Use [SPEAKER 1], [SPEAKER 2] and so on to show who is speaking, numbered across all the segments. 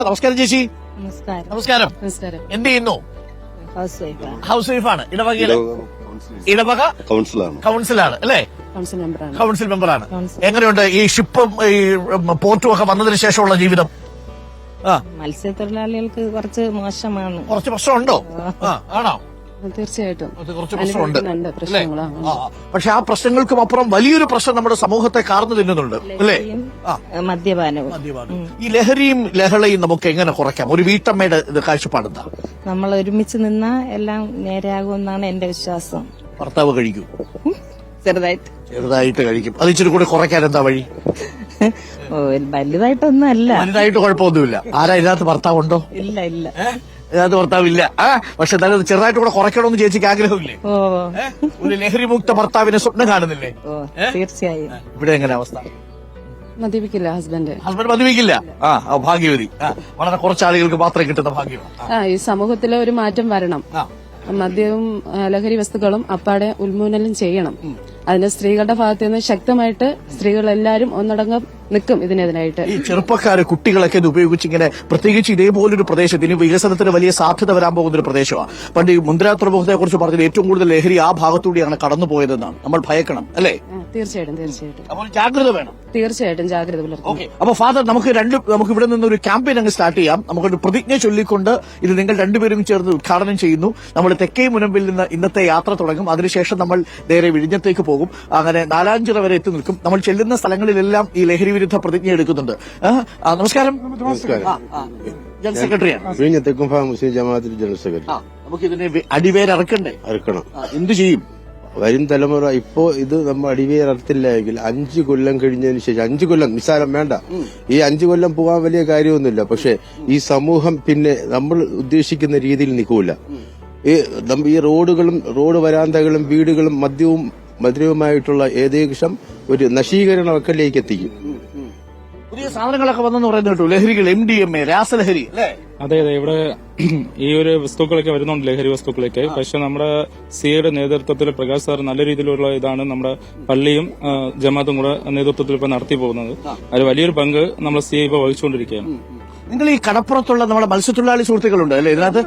[SPEAKER 1] നമസ്കാരം ചേച്ചി.
[SPEAKER 2] നമസ്കാരം.
[SPEAKER 1] നമസ്കാരം.
[SPEAKER 2] നമസ്കാരം.
[SPEAKER 1] എന്ത് ചെയ്യുന്നു?
[SPEAKER 2] ഹൗസ് വൈഫാണ്.
[SPEAKER 1] ഹൗസ് വൈഫാണ്. ഇടവക കൗൺസിലാണ് അല്ലേ?
[SPEAKER 2] കൗൺസിൽ മെമ്പറാണ്.
[SPEAKER 1] കൗൺസിൽ മെമ്പറാണ്. എങ്ങനെയുണ്ട് ഈ ഷിപ്പും ഈ പോർട്ടും ഒക്കെ വന്നതിന് ശേഷമുള്ള ജീവിതം?
[SPEAKER 2] മത്സ്യത്തൊഴിലാളികൾക്ക് കുറച്ച് മോശമാണ്.
[SPEAKER 1] കുറച്ച് പ്രശ്നമുണ്ടോ? ആണോ?
[SPEAKER 2] തീർച്ചയായിട്ടും
[SPEAKER 1] കുറച്ച് പ്രശ്നമുണ്ട്.
[SPEAKER 2] പ്രശ്നങ്ങളാണ്.
[SPEAKER 1] പക്ഷെ ആ പ്രശ്നങ്ങൾക്കും അപ്പുറം വലിയൊരു പ്രശ്നം നമ്മുടെ സമൂഹത്തെ കാർന്നു തിന്നുന്നുണ്ട് അല്ലേ?
[SPEAKER 2] മദ്യപാനവും.
[SPEAKER 1] ഈ ലഹരിയും ലഹളയും നമുക്ക് എങ്ങനെ കുറയ്ക്കാം? ഒരു വീട്ടമ്മയുടെ കാഴ്ചപ്പാടെന്താ?
[SPEAKER 2] നമ്മൾ ഒരുമിച്ച് നിന്നാ എല്ലാം നേരെയാകുമെന്നാണ് എന്റെ വിശ്വാസം.
[SPEAKER 1] ഭർത്താവ് കഴിക്കൂ?
[SPEAKER 2] ചെറുതായിട്ട്
[SPEAKER 1] കഴിക്കും. അത് ഇച്ചിരി കൂടെ കുറയ്ക്കാൻ എന്താ വഴി?
[SPEAKER 2] വലുതായിട്ടൊന്നും അല്ല.
[SPEAKER 1] വലുതായിട്ട് കുഴപ്പമൊന്നുമില്ല. ആരാ ഇതിനകത്ത് ഭർത്താവുണ്ടോ?
[SPEAKER 2] ഇല്ല.
[SPEAKER 1] ഇതിനകത്ത് ഭർത്താവില്ല. പക്ഷെ എന്നാലും ചെറുതായിട്ട് കൂടെ കുറയ്ക്കണമെന്ന് ചേച്ചിക്ക് ആഗ്രഹമില്ലേ? ഒരു ലഹരിമുക്ത ഭർത്താവിനെ സ്വപ്നം കാണുന്നില്ലേ?
[SPEAKER 2] തീർച്ചയായും.
[SPEAKER 1] ഇവിടെ എങ്ങനെ അവസ്ഥ?
[SPEAKER 2] മദ്യപിക്കില്ല ഹസ്ബൻഡ്
[SPEAKER 1] മദ്യപിക്കില്ല. ഭാഗ്യവതി. വളരെ കുറച്ച് ആളുകൾക്ക് മാത്രമേ കിട്ടുന്ന ഭാഗ്യം.
[SPEAKER 3] ഈ സമൂഹത്തിലെ ഒരു മാറ്റം വരണം. മദ്യവും ലഹരി വസ്തുക്കളും അപ്പാടെ ഉന്മൂലനം ചെയ്യണം. അതിന് സ്ത്രീകളുടെ ഭാഗത്ത് നിന്ന് ശക്തമായിട്ട് സ്ത്രീകൾ എല്ലാവരും ഒന്നടങ്കം നിൽക്കും ഇതിനെതിരായിട്ട്.
[SPEAKER 1] ഈ ചെറുപ്പക്കാര് കുട്ടികളൊക്കെ ഇത് ഉപയോഗിച്ച് ഇങ്ങനെ, പ്രത്യേകിച്ച് ഇതേപോലൊരു പ്രദേശത്ത് ഇനി വികസനത്തിന് വലിയ സാധ്യത വരാൻ പോകുന്ന ഒരു പ്രദേശമാണ്. പണ്ട് ഈ മുന്ദ്ര തുറമുഖത്തെ കുറിച്ച് പറഞ്ഞത് ഏറ്റവും കൂടുതൽ ലഹരി ആ ഭാഗത്തൂടെയാണ് കടന്നുപോയതെന്നാണ്. നമ്മൾ ഭയക്കണം അല്ലേ?
[SPEAKER 3] തീർച്ചയായിട്ടും.
[SPEAKER 1] അപ്പോൾ ജാഗ്രത വേണം.
[SPEAKER 3] തീർച്ചയായിട്ടും ജാഗ്രത പുലർത്തും.
[SPEAKER 1] അപ്പൊ ഫാദർ, നമുക്ക് ഇവിടെ നിന്ന് ഒരു ക്യാമ്പയിൻ അങ്ങ് സ്റ്റാർട്ട് ചെയ്യാം. നമുക്കൊരു പ്രതിജ്ഞ ചൊല്ലിക്കൊണ്ട് ഇത് നിങ്ങൾ രണ്ടുപേരും ചേർന്ന് ഉദ്ഘാടനം ചെയ്യുന്നു. നമ്മൾ തെക്കേ മുനമ്പിൽ നിന്ന് ഇന്നത്തെ യാത്ര തുടങ്ങും. അതിനുശേഷം നമ്മൾ നേരെ വിഴിഞ്ഞത്തേക്ക് പോകും. അങ്ങനെ നാലാഞ്ചിറ വരെ എത്തി നിൽക്കും. നമ്മൾ ചെല്ലുന്ന സ്ഥലങ്ങളിലെല്ലാം ഈ ലഹരി വിരുദ്ധ പ്രതിജ്ഞ എടുക്കുന്നുണ്ട്. നമസ്കാരം. ജനറൽ സെക്രട്ടറിയാണ്.
[SPEAKER 4] വിഴിഞ്ഞത്തേക്കും മുസ്ലിം ജമാഅത്തിൽ ജനറൽ സെക്രട്ടറി.
[SPEAKER 1] നമുക്ക് ഇതിനെ അടിവേരറക്കണ്ടേ?
[SPEAKER 4] അറക്കണം.
[SPEAKER 1] എന്ത് ചെയ്യും?
[SPEAKER 4] വരും തലമുറ ഇപ്പോ ഇത് നമ്മൾ അടിവേരത്തില്ല എങ്കിൽ 5 കൊല്ലം കഴിഞ്ഞതിന് ശേഷം, 5 കൊല്ലം നിസ്സാരം വേണ്ട, ഈ 5 കൊല്ലം പോകാൻ വലിയ കാര്യമൊന്നുമില്ല. പക്ഷെ ഈ സമൂഹം പിന്നെ നമ്മൾ ഉദ്ദേശിക്കുന്ന രീതിയിൽ നിൽക്കൂല. ഈ റോഡ് വരാന്തകളും വീടുകളും മദ്യവുമായിട്ടുള്ള ഏകദേശം ഒരു നശീകരണ വക്കലേക്ക് എത്തിക്കും.
[SPEAKER 1] പുതിയ സാധനങ്ങളൊക്കെ വന്നെന്ന് പറയുന്നത് കേട്ടു. ലഹരികൾ, MDMA, രാസലഹരി അല്ലേ?
[SPEAKER 5] അതെ. ഇവിടെ ഈ ഒരു വസ്തുക്കളൊക്കെ വരുന്നുണ്ട്, ലഹരി വസ്തുക്കളൊക്കെ. പക്ഷെ നമ്മുടെ സിയുടെ നേതൃത്വത്തിൽ പ്രകാശ് സാർ നല്ല രീതിയിലുള്ള ഇതാണ് നമ്മുടെ പള്ളിയും ജമാഅത്തും കൂടെ നേതൃത്വത്തിൽ ഇപ്പൊ നടത്തി പോകുന്നത്. അതിൽ വലിയൊരു പങ്ക് നമ്മുടെ സി ഇപ്പൊ വഹിച്ചുകൊണ്ടിരിക്കുകയാണ്.
[SPEAKER 1] നിങ്ങൾ ഈ കടപ്പുറത്തുള്ള നമ്മുടെ മത്സ്യത്തൊഴിലാളി സുഹൃത്തുക്കളുണ്ട് അല്ലേ ഇതിനകത്ത്?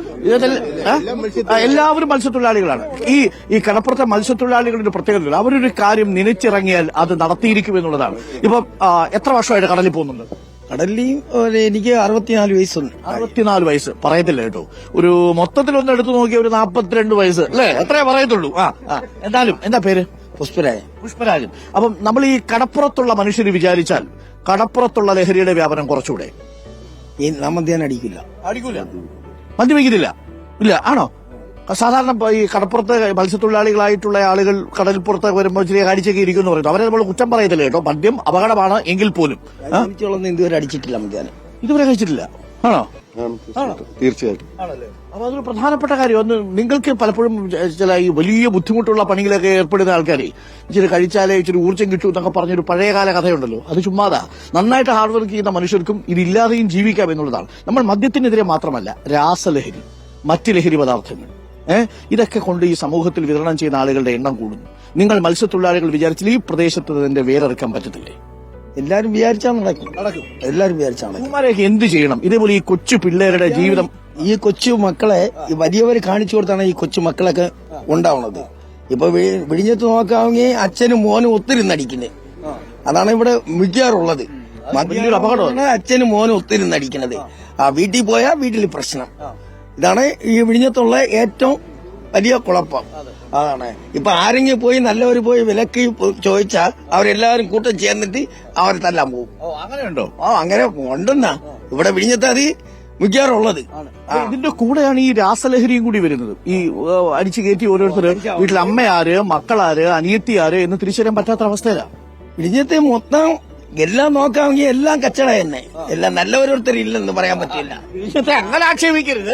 [SPEAKER 1] എല്ലാവരും മത്സ്യത്തൊഴിലാളികളാണ്. ഈ കടപ്പുറത്തെ മത്സ്യത്തൊഴിലാളികളുടെ പ്രത്യേകത, അവരൊരു കാര്യം നനച്ചിറങ്ങിയാൽ അത് നടത്തിയിരിക്കും എന്നുള്ളതാണ്. ഇപ്പൊ എത്ര വർഷമായിട്ട് കടലിൽ പോകുന്നുണ്ട്?
[SPEAKER 6] കടലിൽ എനിക്ക് 64 വയസ്സുണ്ട്.
[SPEAKER 1] 64 വയസ്സ് പറയത്തില്ല കേട്ടോ. ഒരു മൊത്തത്തിലൊന്ന് എടുത്തു നോക്കിയ ഒരു 42 വയസ്സ് അല്ലേ? എത്രയേ പറയത്തുള്ളൂ. എന്തായാലും എന്താ പേര്? പുഷ്പരാജൻ. അപ്പം നമ്മൾ ഈ കടപ്പുറത്തുള്ള മനുഷ്യർ വിചാരിച്ചാൽ കടപ്പുറത്തുള്ള ലഹരിയുടെ വ്യാപനം കുറച്ചുകൂടെ?
[SPEAKER 6] അടിക്കില്ല.
[SPEAKER 1] മദ്യപിക്കുന്നില്ല? ഇല്ല. ആണോ? സാധാരണ ഈ കടപ്പുറത്ത് മത്സ്യത്തൊഴിലാളികളായിട്ടുള്ള ആളുകൾ കടൽപ്പുറത്ത് വരുമ്പോൾ ചെറിയ കാഴ്ചയൊക്കെ ഇരിക്കുന്നു പറയുന്നു. അവരെ നമ്മൾ കുറ്റം പറയത്തില്ല കേട്ടോ. മദ്യം അപകടമാണ് എങ്കിൽ പോലും
[SPEAKER 6] ഇതുവരെ അടിച്ചിട്ടില്ല.
[SPEAKER 1] ഇതുവരെ കഴിച്ചിട്ടില്ല. ആണോ?
[SPEAKER 4] തീർച്ചയായിട്ടും.
[SPEAKER 1] അപ്പൊ അതൊരു പ്രധാനപ്പെട്ട കാര്യം. ഒന്ന്, നിങ്ങൾക്ക് പലപ്പോഴും ചില ഈ വലിയ ബുദ്ധിമുട്ടുള്ള പണികളൊക്കെ ഏർപ്പെടുന്ന ആൾക്കാരെ ഇച്ചിരി കഴിച്ചാലേ ഇച്ചിരി ഊർജ്ജം കിട്ടൂ എന്നൊക്കെ പറഞ്ഞൊരു പഴയകാല കഥയുണ്ടല്ലോ. അത് ചുമ്മാതാ. നന്നായിട്ട് ഹാർഡ് വർക്ക് ചെയ്യുന്ന മനുഷ്യർക്കും ഇതില്ലാതെയും ജീവിക്കാം എന്നുള്ളതാണ്. നമ്മൾ മദ്യത്തിനെതിരെ മാത്രമല്ല, രാസലഹരി, മറ്റ് ലഹരി പദാർത്ഥങ്ങൾ ഇതൊക്കെ കൊണ്ട് ഈ സമൂഹത്തിൽ വിതരണം ചെയ്യുന്ന ആളുകളുടെ എണ്ണം കൂടുന്നു. നിങ്ങൾ മത്സ്യത്തൊഴിലാളികൾ വിചാരിച്ചാൽ ഈ പ്രദേശത്ത് ഇതിന്റെ വേരെടുക്കാൻ പറ്റത്തില്ലേ?
[SPEAKER 6] എല്ലാരും വിചാരിച്ചാൽ നടക്കും. എല്ലാരും വിചാരിച്ചാണ്.
[SPEAKER 1] കുമാരൊക്കെ എന്ത് ചെയ്യണം? ഇതേപോലെ ഈ കൊച്ചു പിള്ളേരുടെ ജീവിതം,
[SPEAKER 6] ഈ കൊച്ചു മക്കളെ വലിയവർ കാണിച്ചു കൊടുത്താണ് ഈ കൊച്ചു മക്കളൊക്കെ ഉണ്ടാവുന്നത്. ഇപ്പൊ വിഴിഞ്ഞത്ത് നോക്കാമെങ്കിൽ അച്ഛനും മോനും ഒത്തിരുന്നടിക്കുന്നത്. അതാണ് ഇവിടെ മിക്കാറുള്ളത്. അപകടമാണ് അച്ഛനും മോനും ഒത്തിരുന്നടിക്കുന്നത്. വീട്ടിൽ പോയാൽ വീട്ടിൽ പ്രശ്നം. ഇതാണ് ഈ വിഴിഞ്ഞത്തുള്ള ഏറ്റവും വലിയ കുഴപ്പം. അതാണ് ഇപ്പൊ ആരെങ്കിലും പോയി നല്ലവർ പോയി വിലക്ക് ചോദിച്ചാൽ അവരെല്ലാവരും കൂട്ടം ചേർന്നിട്ട് അവരെ തല്ലാൻ പോകും.
[SPEAKER 1] അങ്ങനെയുണ്ടോ?
[SPEAKER 6] അങ്ങനെ ഉണ്ടെന്നാ ഇവിടെ വിഴിഞ്ഞത്ത് അത് മിക്കാറുള്ളത്.
[SPEAKER 1] ഇതിന്റെ കൂടെയാണ് ഈ രാസലഹരിയും കൂടി വരുന്നത്. ഈ അടിച്ചു കയറ്റി ഓരോരുത്തർ വീട്ടിൽ അമ്മയാര്, മക്കളാര്, അനിയത്തിയാര് എന്ന് തിരിച്ചറിയാൻ പറ്റാത്ത അവസ്ഥയിലാണ്.
[SPEAKER 6] വിഴിഞ്ഞത്തെ മൊത്തം എല്ലാം നോക്കാമെങ്കിൽ എല്ലാം കച്ചട തന്നെ. എല്ലാം നല്ലവരോരുത്തർ ഇല്ലെന്ന് പറയാൻ പറ്റില്ല.
[SPEAKER 1] അങ്ങനെ ആക്ഷേപിക്കരുത്.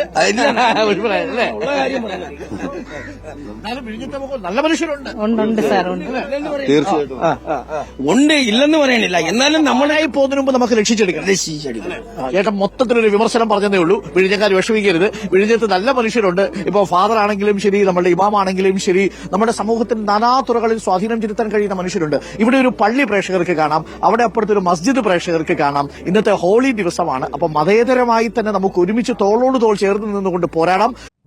[SPEAKER 1] നല്ല മനുഷ്യരുണ്ട്.
[SPEAKER 2] ഉണ്ട് സാർ, ഉണ്ട്.
[SPEAKER 6] ഉണ്ട്, ഇല്ലെന്ന് പറയാനില്ല. എന്നാലും നമ്മളായി
[SPEAKER 1] പോകുന്നതിന് മുമ്പ് നമുക്ക് രക്ഷിച്ചെടുക്കണം. ചേട്ടൻ മൊത്തത്തിലൊരു വിമർശനം പറഞ്ഞതേ ഉള്ളൂ. വിഴിഞ്ഞക്കാർ വിഷമിക്കരുത്. വിഴിഞ്ഞത്ത് നല്ല മനുഷ്യരുണ്ട്. ഇപ്പൊ ഫാദർ ആണെങ്കിലും ശരി, നമ്മുടെ ഇമാമാണെങ്കിലും ശരി, നമ്മുടെ സമൂഹത്തിൽ നാനാ തുറകളിൽ സ്വാധീനം ചെലുത്താൻ കഴിയുന്ന മനുഷ്യരുണ്ട്. ഇവിടെ ഒരു പള്ളി പ്രേക്ഷകർക്ക് കാണാം. അവിടെ തൊട്ടപ്പുറത്ത് ഒരു മസ്ജിദ് പ്രേക്ഷകർക്ക് കാണാം. ഇന്നത്തെ ഹോളി ദിവസമാണ്. അപ്പൊ മതേതരമായി തന്നെ നമുക്ക് ഒരുമിച്ച് തോളോട് തോൾ ചേർന്ന് നിന്നുകൊണ്ട് പോരാടാം.